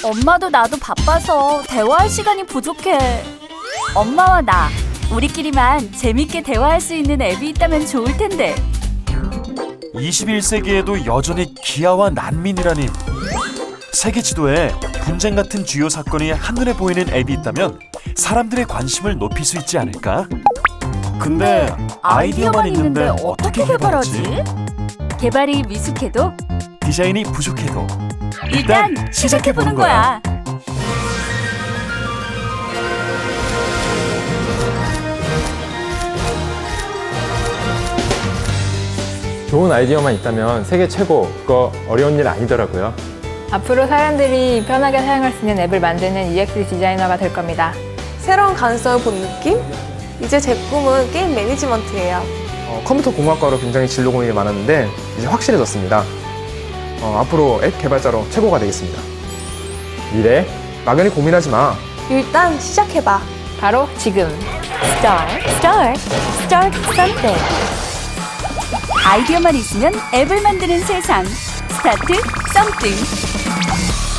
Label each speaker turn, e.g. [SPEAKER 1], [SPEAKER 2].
[SPEAKER 1] 엄마도 나도 바빠서 대화할 시간이 부족해. 엄마와 나, 우리끼리만 재밌게 대화할 수 있는 앱이 있다면 좋을 텐데.
[SPEAKER 2] 21세기에도 여전히 기아와 난민이라니. 세계 지도에 분쟁 같은 주요 사건이 한눈에 보이는 앱이 있다면 사람들의 관심을 높일 수 있지 않을까? 근데 아이디어만 있는데 어떻게 개발하지?
[SPEAKER 1] 개발이 미숙해도
[SPEAKER 2] 디자인이 부족해도
[SPEAKER 1] 일단 시작해보는 거야.
[SPEAKER 3] 좋은 아이디어만 있다면 세계 최고, 그거 어려운 일 아니더라고요.
[SPEAKER 4] 앞으로 사람들이 편하게 사용할 수 있는 앱을 만드는 UX 디자이너가 될 겁니다.
[SPEAKER 5] 새로운 가능성을 본 느낌? 이제 제 꿈은 게임 매니지먼트예요.
[SPEAKER 6] 컴퓨터 공학과로 굉장히 진로 고민이 많았는데 이제 확실해졌습니다. 앞으로 앱 개발자로 최고가 되겠습니다.
[SPEAKER 3] 미래?
[SPEAKER 6] 막연히 고민하지 마.
[SPEAKER 5] 일단 시작해봐.
[SPEAKER 4] 바로 지금.
[SPEAKER 1] Start something. 아이디어만 있으면 앱을 만드는 세상. 스타트 something.